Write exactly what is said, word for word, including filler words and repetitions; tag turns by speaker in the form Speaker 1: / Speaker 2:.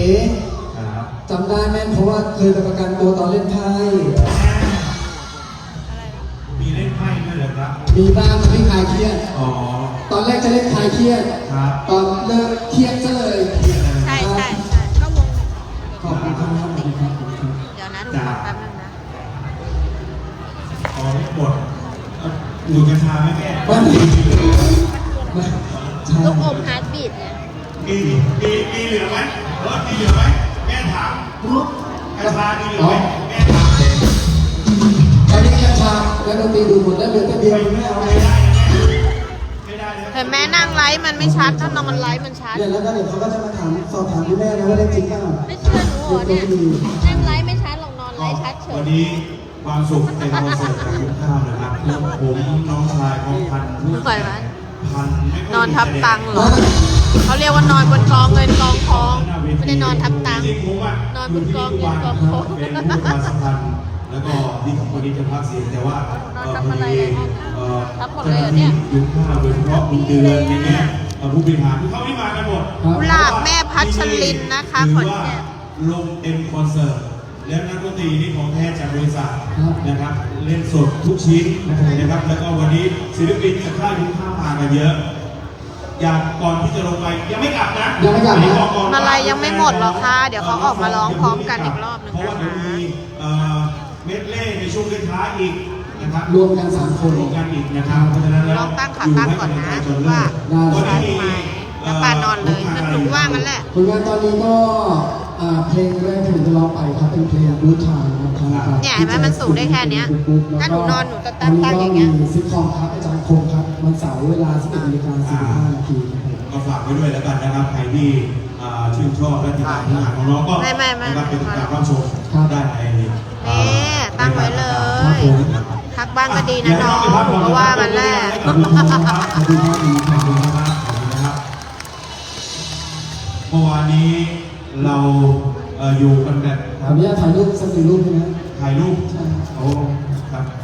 Speaker 1: จำได้แม่นเพราะว่าเคยไปประกันตัวตอนเล่นไพ่
Speaker 2: มีเล่นไพ่ด้วยเหรอครับ
Speaker 1: มีบ้างไม่คลายเครียด
Speaker 2: อ๋อ
Speaker 1: ตอนแรกจะเล่นคลายเครียดตอนเลิกเครียดซะเลย
Speaker 3: ใช่ใช่ใช่ก็วง
Speaker 1: ขอบคุณครับ
Speaker 3: เดี๋ยวนะดูแป๊บนึงนะ
Speaker 2: อ๋อไม่หมดดูกัญชาไหมแม่
Speaker 1: ไม่
Speaker 3: ลูกอมฮาร์ดบีทเนี่ย
Speaker 2: มีมีมีเหลือไหมรถมีเหลือไหมแม่ถามกัญชามีเหลือไหมแม่ถาม
Speaker 1: ตอนนี้กัญชาแล้วดนตรีดูหมดแล้วเหลือแต่เบียร์ไม่เอาเลย
Speaker 3: เห็นแม่นั่งไลฟ์มันไม่ชัดถ้านอนไลฟ์มันชัด
Speaker 1: เนี่ยแล้วก็เดี๋ยวเขาก็จะมาถามสอบถามคุณแม่นะว่าได้จริงเปล่า
Speaker 3: ไม่เชื่อหนูเนี่ยนั่งไลฟ์ไม่ชัดหรอกนอนไลฟ์ชัดเฉย
Speaker 2: วันนี้ความสุขในคอนเสิร์ตของยุคข้าวนะครับผมน้องชายของพัน
Speaker 3: ปล่อยมัน
Speaker 2: พัน
Speaker 3: นอนทับตังเหรอเขาเรียกว่านอนบนกองเงินกองทองไม่ได้นอนทับตังนอนบนกองเงินกองทอง
Speaker 2: เป็นผู้ประชาสัมพันธ์แล้วก็ที่ของคนนี้จะพักเสียงแต่ว่า
Speaker 3: ทำอะไรเลยทับหมดเลย
Speaker 2: เ
Speaker 3: นี่ย
Speaker 2: ยุคข้าวโดยเฉพาะคุณเดือนอย่างเงี้ยผู้บริหารที่เขาไม่มากันหมด
Speaker 3: กุหลาบแม่พัชรินนะคะขอนแก่น
Speaker 2: ลงเต็มคอนเสิร์ตแล้วนักดนตรีนี่ของแท้จากบริษัทนะครับเล่นสดทุกชิ้นนะครับแล้วก็วันนี้ศิลปินจากค่ายยุคข้าวมากันเยอะอยากก่อนที่จะลงไปยังไม่กลับนะ
Speaker 1: ยังไม่กลับนะ
Speaker 3: มาลายยังไม่หมดหรอกค่ะเดี๋ยวเขาออกมาร้องพร้อมกันอีกรอบนึง
Speaker 2: เพราะว่าเดี๋ยวมีเมดเล่ในช่วงท้ายอีกนะครับ
Speaker 1: รวมกันสามคน
Speaker 2: รวมกันอีกนะครับเพราะฉะนั้นแล้ว
Speaker 3: ลองตั้งขาตั้งก่อนนะว่าใช่ไหมแล้วปานอนเลยหนูว่างั้นแหละ
Speaker 1: ผลงานตอนนี้ก็เพลงแรกที่ผมจะร้องไปครับเป็นเพลงบูทายนะครับ
Speaker 3: เนี่ยเห็นไหมมันสูงได้แค่นี้ถ้าหนูนอนหนูจะตั้งตั้งอย่างเงี้ย
Speaker 1: ซิทคอมครับอาจารย์คงครับวันเสาร์เวลาสิบเอ็ดนาฬิกาสี่สิบห้านาที
Speaker 2: ก็ฝากไว้ด้วยแล้วกันนะครับใครที่ชื่นชอบและติดตามผลงานของน้องก็นะครับเป็นการรับชมได้ใน
Speaker 3: นี่ตั้งไว้เลยพักบ้างก็ดีนะน้องเพราะว่ามันแรก
Speaker 2: ขอบคุณครับขอบคุณครับขอบคุณครับเมื่อวานนี้เราอยู่กันแบบ
Speaker 1: ขออนุญาตถ่ายรูปสักหนึ่งรูปนะ
Speaker 2: ถ่ายรูปโอ้ครับ